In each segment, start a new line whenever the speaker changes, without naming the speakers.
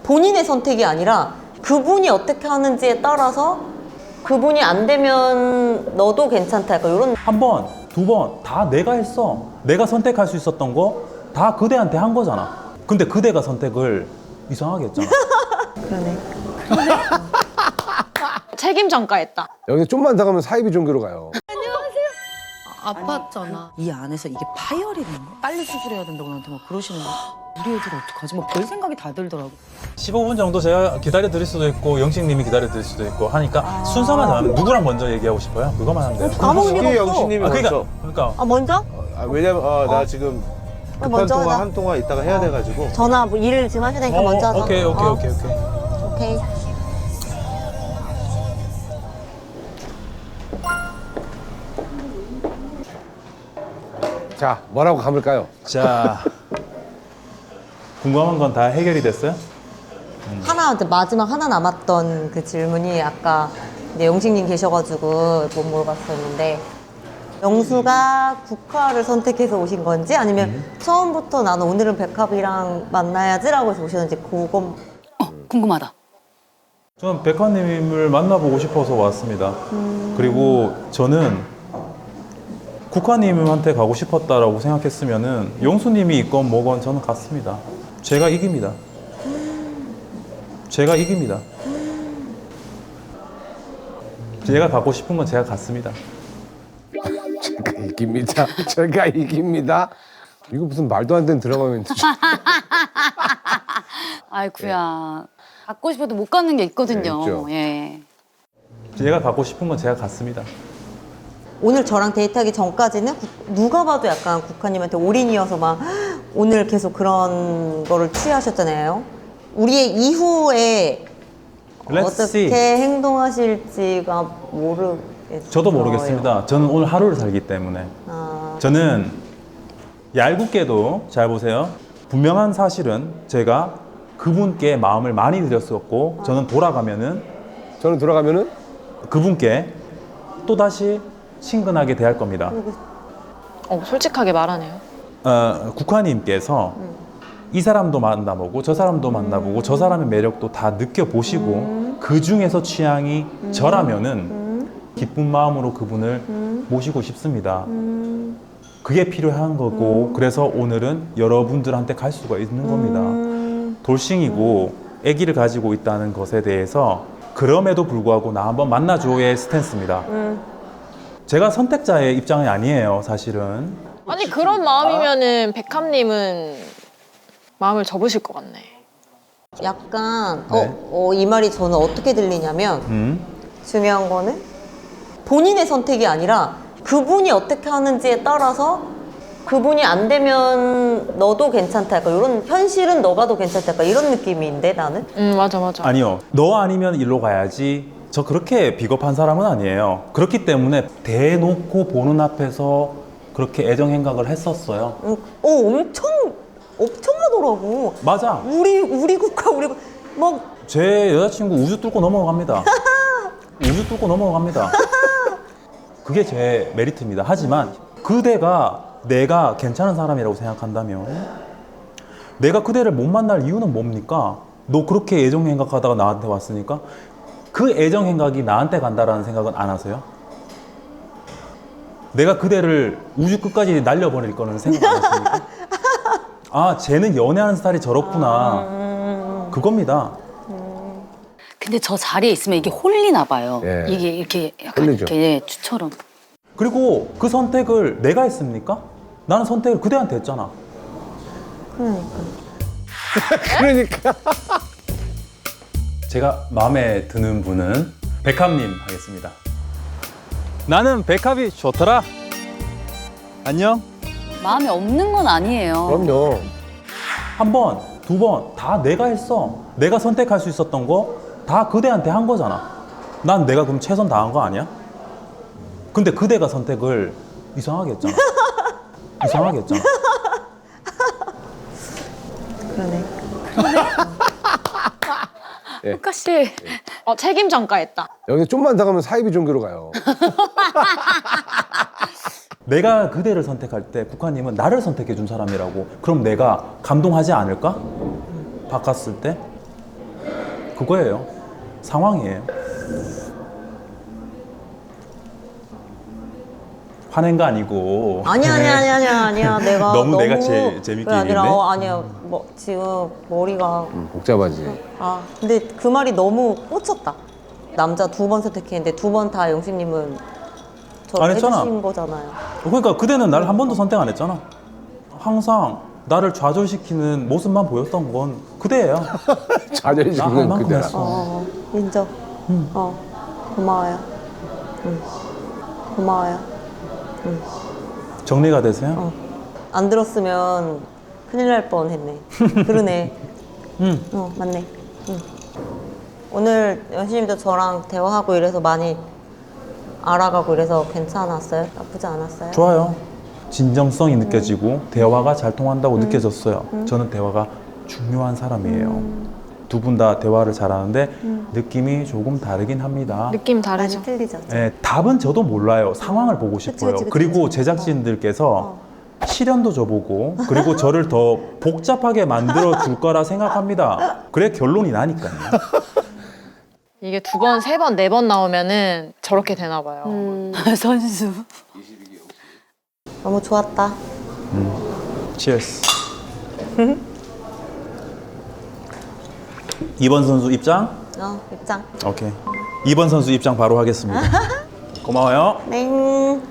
본인의 선택이 아니라 그분이 어떻게 하는지에 따라서 그분이 안 되면 너도 괜찮다 약간 이런.
한 번, 두 번 다 내가 했어. 내가 선택할 수 있었던 거 다 그대한테 한 거잖아. 근데 그대가 선택을 이상하게 했잖아.
그러네.
책임 전가했다.
여기 좀만 더 가면 사이비 종교로 가요.
아팠잖아.
이 안에서 이게 파열이 된 거야. 빨리 수술해야 된다고 나한테 막 그러시는 거야. 우리 애들 어떡하지? 뭐 별 생각이 다 들더라고.
15분 정도 제가 기다려 드릴 수도 있고 영식님이 기다려 드릴 수도 있고 하니까 순서만 정하면 누구랑 먼저 얘기하고 싶어요? 그거만 하면 돼요.
아무 의미가 없어.
영신님이
그러니까
아 먼저?
왜냐면 나 지금 급한
먼저
통화
하자.
한 통화 있다가 해야 돼가지고.
전화 뭐 일을 지금 하셔야 되니까 먼저 하자.
오케이.
오케이.
자, 뭐라고 감을까요?
자, 궁금한 건 다 해결이 됐어요?
하나 이제 마지막 하나 남았던 그 질문이 아까 이제 영식님 계셔가지고 못 물어봤었는데 영수가 국화를 선택해서 오신 건지 아니면 처음부터 나는 오늘은 백합이랑 만나야지라고 해서 오셨는지 그건.
궁금하다.
저는 백화님을 만나보고 싶어서 왔습니다. 그리고 저는 국화님한테 가고 싶었다라고 생각했으면은 영수님이 있건 뭐건 저는 갔습니다. 제가 이깁니다. 제가 이깁니다. 제가 갖고 싶은 건 제가 갔습니다.
제가 이깁니다. 제가 이깁니다. 이거 무슨 말도 안 되는 드라마면
아이쿠야. 갖고 싶어도 못 갖는 게 있거든요.
있죠.
예.
제가 갖고 싶은 건 제가 갔습니다.
오늘 저랑 데이트하기 전까지는 누가 봐도 약간 국화님한테 올인이어서 막 오늘 계속 그런 거를 취하셨잖아요. 우리의 이후에
Let's
어떻게
see.
행동하실지가 모르겠어요.
저도 모르겠습니다. 저는 오늘 하루를 살기 때문에. 저는 얄궂게도 잘 보세요. 분명한 사실은 제가 그분께 마음을 많이 드렸었고 저는 돌아가면은
저는 돌아가면은
그분께 또다시 친근하게 대할 겁니다.
솔직하게 말하네요.
국화님께서 이 사람도 만나보고 저 사람도 만나보고 저 사람의 매력도 다 느껴보시고 그 중에서 취향이 저라면은 기쁜 마음으로 그분을 모시고 싶습니다. 그게 필요한 거고 그래서 오늘은 여러분들한테 갈 수가 있는 겁니다. 돌싱이고 아기를 가지고 있다는 것에 대해서 그럼에도 불구하고 나 한번 만나줘의 스탠스입니다. 제가 선택자의 입장이 아니에요, 사실은.
아니 그런 마음이면은 백합님은 마음을 접으실 것 같네.
약간
네.
이 말이 저는 어떻게 들리냐면 중요한 거는 본인의 선택이 아니라 그분이 어떻게 하는지에 따라서 그분이 안 되면 너도 괜찮다 약간 이런, 현실은 너가 더 괜찮다 약간 이런 느낌인데 나는.
맞아.
아니요, 너 아니면 일로 가야지. 저 그렇게 비겁한 사람은 아니에요. 그렇기 때문에 대놓고 보는 앞에서 그렇게 애정 행각을 했었어요.
엄청 하더라고.
맞아.
우리 국가 막
제 여자친구 우주 뚫고 넘어갑니다. 우주 뚫고 넘어갑니다. 그게 제 메리트입니다. 하지만 그대가 내가 괜찮은 사람이라고 생각한다면 내가 그대를 못 만날 이유는 뭡니까? 너 그렇게 애정 행각하다가 나한테 왔으니까 그 애정 행각이 나한테 간다라는 생각은 안 하세요? 내가 그대를 우주 끝까지 날려버릴 거는 생각 안 하십니까? 아, 쟤는 연애하는 스타일이 저렇구나. 그겁니다.
근데 저 자리에 있으면 이게 홀리나 봐요.
예.
이게 이렇게 약간
홀리죠.
이렇게 예, 추처럼.
그리고 그 선택을 내가 했습니까? 나는 선택을 그대한테 했잖아.
그러니까
제가 마음에 드는 분은 백합님 하겠습니다. 나는 백합이 좋더라. 안녕.
마음에 없는 건 아니에요.
그럼요.
한 번, 두 번 다 내가 했어. 내가 선택할 수 있었던 거 다 그대한테 한 거잖아. 난 내가 그럼 최선 다한 거 아니야? 근데 그대가 선택을 이상하게 했잖아. 이상하게 했잖아.
그러네.
효과 씨.
책임 전가했다.
여기 좀만 더 가면 사이비 종교로 가요.
내가 그대를 선택할 때 국화님은 나를 선택해 준 사람이라고. 그럼 내가 감동하지 않을까? 바꿨을 때? 그거예요. 상황이에요. 화낸 거 아니고.
아니야. 내가
너무 내가 재밌게
그게 아니라
얘기했네?
아니야. 뭐 지금 머리가
복잡하지.
근데 그 말이 너무 꽂혔다. 남자 2번 선택했는데 2번 다 영식님은 저
안 했잖아.
해주신 거잖아요.
그러니까 그대는 날 한 번도 선택 안 했잖아. 항상 나를 좌절시키는 모습만 보였던 건 그대예요.
좌절이
나할
지금
만큼
그대라.
했어.
인정. 고마워요. 고마워요.
정리가 되세요?
안 들었으면 큰일 날 뻔했네. 그러네. 맞네. 오늘 영신님도 저랑 대화하고 이래서 많이 알아가고 이래서 괜찮았어요? 나쁘지 않았어요?
좋아요. 진정성이 느껴지고 대화가 잘 통한다고 느껴졌어요. 저는 대화가 중요한 사람이에요. 두 분 다 대화를 잘하는데 느낌이 조금 다르긴 합니다.
느낌 다르죠.
많이 틀리죠.
네, 답은 저도 몰라요. 상황을 보고 싶어요.
그치.
그리고 제작진들께서 시련도 줘보고 그리고 저를 더 복잡하게 만들어 줄 거라 생각합니다. 그래 결론이 나니까요.
이게 2번, 3번, 4번 나오면은 저렇게 되나 봐요.
선수.
너무 좋았다.
치얼스. 2번 선수 입장?
입장.
오케이. 2번 선수 입장 바로 하겠습니다. 고마워요.
땡.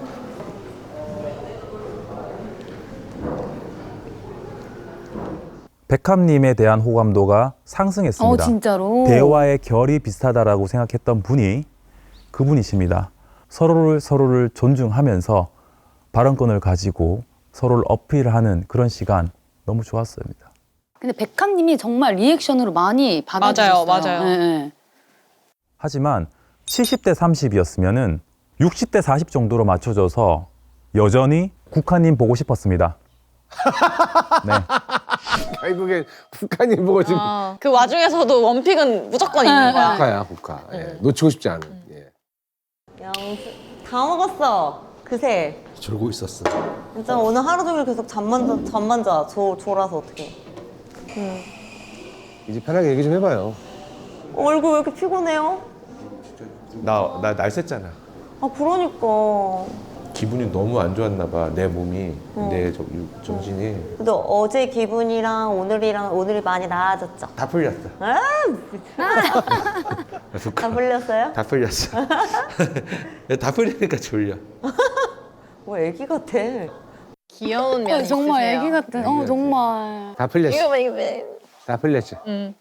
백합님에 대한 호감도가 상승했습니다.
진짜로?
대화의 결이 비슷하다라고 생각했던 분이 그분이십니다. 서로를 존중하면서 발언권을 가지고 서로를 어필하는 그런 시간 너무 좋았습니다.
근데 백합님이 정말 리액션으로 많이 받아주셨어요.
맞아요.
네.
하지만 70대 30이었으면은 60대 40 정도로 맞춰져서 여전히 국화님 보고 싶었습니다. 네.
결국엔 북한이 보고 지금
그 와중에서도 원픽은 무조건 있는 거야.
국가야 국가. 예. 놓치고 싶지 않은. 예.
다 먹었어. 그새.
졸고 있었어.
진짜 오늘 하루 종일 계속 잠만 자. 졸아서 어떡해.
이제 편하게 얘기 좀 해봐요.
얼굴 왜 이렇게 피곤해요?
나 날샜잖아.
그러니까.
기분이 너무 안 좋았나 봐. 내 몸이, 내 정신이
근데 어제 기분이랑 오늘이 많이 나아졌죠?
다 풀렸어.
다 풀렸어요?
다 풀렸어. 다 풀리니까 졸려.
뭐 애기 같아.
귀여운 면
정말
있으세요.
애기 같은. 정말.
다 풀렸어.
이거 봐, 이거 봐.
다 풀렸지.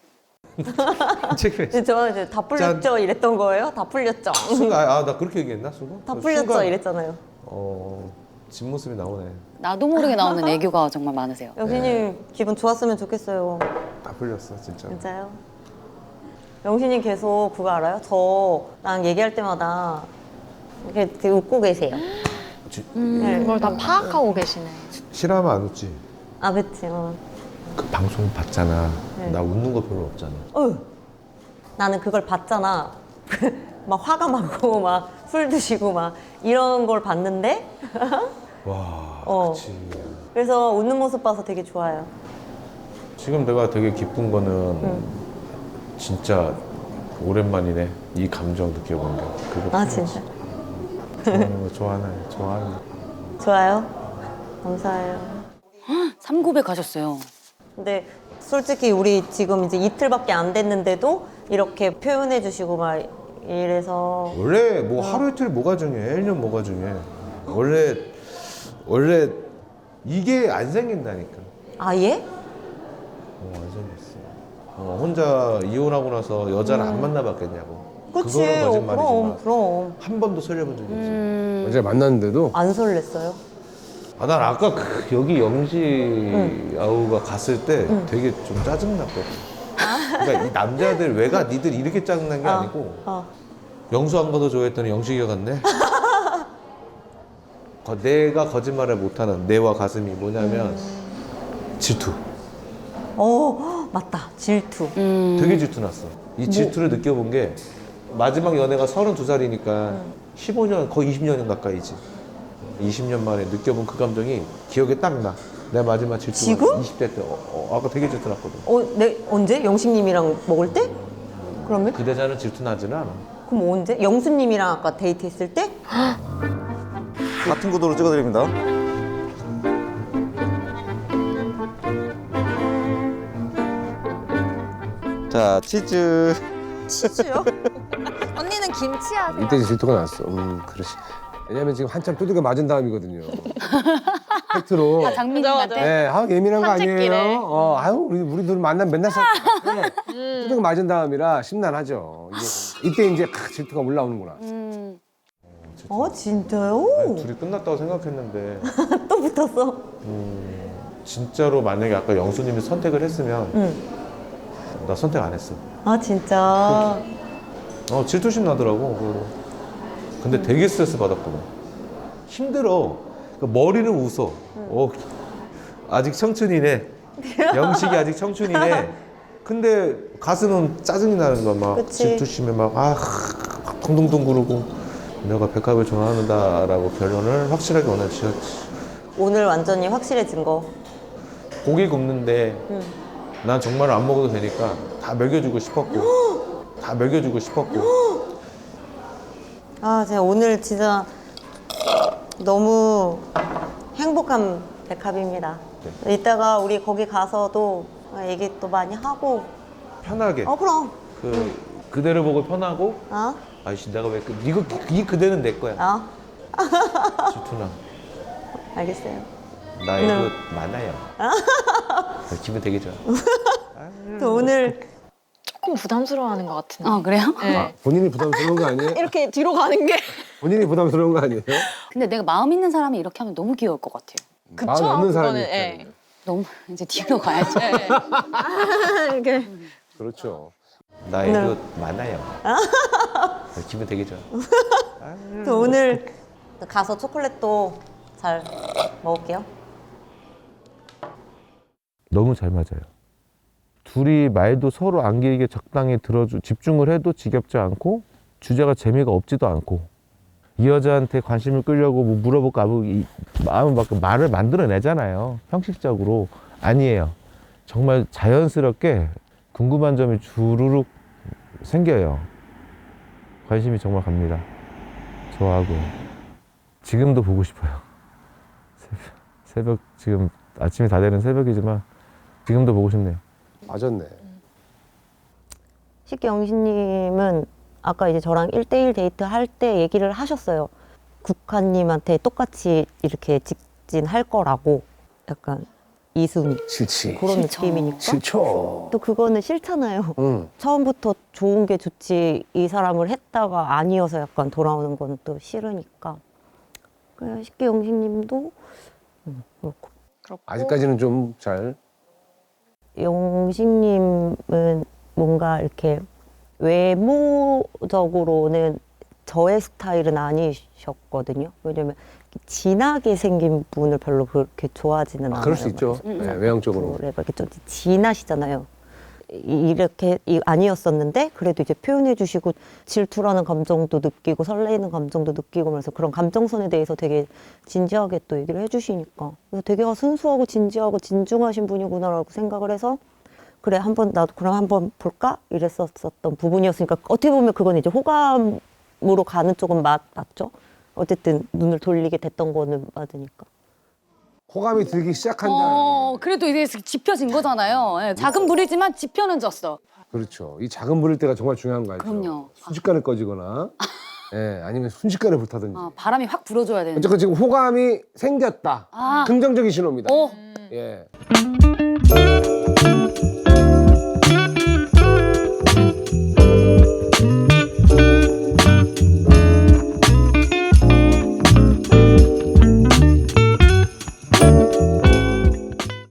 근데 저 이제 다 풀렸죠? 이랬던 거예요? 다 풀렸죠?
순간 나 그렇게 얘기했나 순간?
다 풀렸죠?
순간,
이랬잖아요.
뒷모습이 나오네.
나도 모르게 나오는 애교가 정말 많으세요.
영신님 기분 좋았으면 좋겠어요.
다 풀렸어 진짜.
진짜요? 영신님 계속 그거 알아요? 저랑 얘기할 때마다 이렇게 되게 웃고 계세요. 네.
그걸 다 파악하고 계시네.
싫어하면 안 웃지.
그치.
그 방송 봤잖아. 나 웃는 거 별로 없잖아.
나는 그걸 봤잖아. 막 화가 많고 막 술 드시고 막 이런 걸 봤는데
와, 그치.
그래서 웃는 모습 봐서 되게 좋아요.
지금 내가 되게 기쁜 거는 진짜 오랜만이네. 이 감정 느껴본 게. 그거
진짜?
좋아하는 거.
좋아요? 감사해요.
3구배 가셨어요.
근데 솔직히 우리 지금 이제 이틀밖에 안 됐는데도 이렇게 표현해 주시고 막 이래서
원래 뭐 하루 이틀 뭐가 중요해? 1년 뭐가 중요해? 원래 이게 안 생긴다니까.
아예?
안 생겼어. 혼자 이혼하고 나서 여자를 안 만나봤겠냐고.
그치.
그거는 거짓말이지만
그럼
한 번도 설레본 적이 없어.
어제 만났는데도
안 설렜어요?
난 아까 여기 영지 아우가 갔을 때 되게 좀 짜증났거든. 그러니까 이 남자들 왜 가? 니들 이렇게 짜증난 게 아니고 영수 안 가도 좋아했더니 영식이가 갔네? 내가 거짓말을 못하는 뇌와 가슴이 뭐냐면 질투.
맞다. 질투.
되게 질투 났어. 이 질투를 느껴본 게 마지막 연애가 32살이니까 15년, 거의 20년 가까이지. 20년 만에 느껴본 그 감정이 기억에 딱 나. 내 마지막 질투가
지금?
20대 때. 아까 되게 질투 났거든.
언제? 영식님이랑 먹을 때? 그러면?
그 대사는 질투나지는 않아.
그럼 언제? 영수님이랑 아까 데이트했을 때?
같은 구도로 찍어드립니다. 자, 치즈.
치즈요? 언니는 김치야.
이때 이제 질투가 났어. 그렇지. 왜냐면 지금 한참 두들겨 맞은 다음이거든요. 팩트로.
아, 장미님한테?
네, 예민한 거
산책길에.
아니에요? 아유, 우리 둘 만나면 맨날 두들겨 맞은 다음이라 심란하죠. 이때 이제 질투가 올라오는구나.
진짜요?
둘이 끝났다고 생각했는데
또 붙었어.
진짜로 만약에 아까 영수님이 선택을 했으면 나 선택 안 했어.
진짜.
질투심 나더라고. 그거로. 근데 되게 스트레스 받았거든. 힘들어. 그러니까 머리는 웃어. 아직 청춘이네. 영식이 아직 청춘이네. 근데 가슴은 짜증이 나는 거야. 막
그치.
질투심에 막 동동동 구르고 내가 백합을 좋아한다라고 결론을 확실하게 오늘 지었지.
오늘 완전히 확실해진 거.
고기 굽는데 난 정말 안 먹어도 되니까 다 먹여주고 싶었고 다 먹여주고 싶었고
제가 오늘 진짜 너무 행복한 백합입니다. 이따가 우리 거기 가서도 얘기 또 많이 하고.
편하게
그럼.
그대를 보고 편하고 아이씨 내가 왜 이거 이 그대는 내 거야. 질투나.
알겠어요.
나의 그 많아요. 기분 되게 좋아.
또 오늘
조금 부담스러워하는 것 같은데.
그래요?
네.
본인이 부담스러운 거 아니에요?
이렇게 뒤로 가는 게.
본인이 부담스러운 거 아니에요?
근데 내가 마음 있는 사람이 이렇게 하면 너무 귀여울 것 같아요.
그쵸?
마음 없는 사람이
그거는, 예.
너무 이제 뒤로 가야죠.
이렇게.
그렇죠.
나의 그 많아요. 기분 되게 좋아.
또 오늘 가서 초콜릿도 잘 먹을게요.
너무 잘 맞아요. 둘이 말도 서로 안 길게 적당히 집중을 해도 지겹지 않고 주제가 재미가 없지도 않고 이 여자한테 관심을 끌려고 뭐 물어볼까 마음을 막 말을 만들어내잖아요. 형식적으로. 아니에요. 정말 자연스럽게 궁금한 점이 주르륵 생겨요. 관심이 정말 갑니다. 좋아하고 지금도 보고 싶어요. 새벽 지금 아침이 다 되는 새벽이지만 지금도 보고 싶네요.
맞았네.
쉽게 영신님은 아까 이제 저랑 1대1 데이트 할 때 얘기를 하셨어요. 국화님한테 똑같이 이렇게 직진할 거라고. 약간 이순이
싫지.
그런 느낌이니까.
싫죠.
또 그거는 싫잖아요.
응.
처음부터 좋은 게 좋지 이 사람을 했다가 아니어서 약간 돌아오는 건 또 싫으니까. 그래 쉽게 영신님도 그렇고.
아직까지는 좀 잘.
영식님은 뭔가 이렇게 외모적으로는 저의 스타일은 아니셨거든요. 왜냐면 진하게 생긴 분을 별로 그렇게 좋아하지는 않아요.
그럴 수 있죠. 네, 외형적으로.
그래, 이렇게 좀 진하시잖아요. 이렇게 아니었었는데 그래도 이제 표현해 주시고 질투라는 감정도 느끼고 설레이는 감정도 느끼고 그래서 그런 감정선에 대해서 되게 진지하게 또 얘기를 해주시니까 그래서 되게 순수하고 진지하고 진중하신 분이구나라고 생각을 해서 그래 한번 나도 그럼 한번 볼까 이랬었던 부분이었으니까 어떻게 보면 그건 이제 호감으로 가는 쪽은 맞죠. 어쨌든 눈을 돌리게 됐던 거는 맞으니까.
호감이 들기 시작한다.
그래도 이제 짚혀진 거잖아요. 예, 작은 불이지만 짚혀는 졌어.
그렇죠. 이 작은 불일 때가 정말 중요한 거 알죠?
그럼요.
순식간에 꺼지거나, 아니면 순식간에 불타든지.
바람이 확 불어줘야 되는데.
어쨌건 지금 호감이 생겼다.
아.
긍정적인 신호입니다.
오.
예.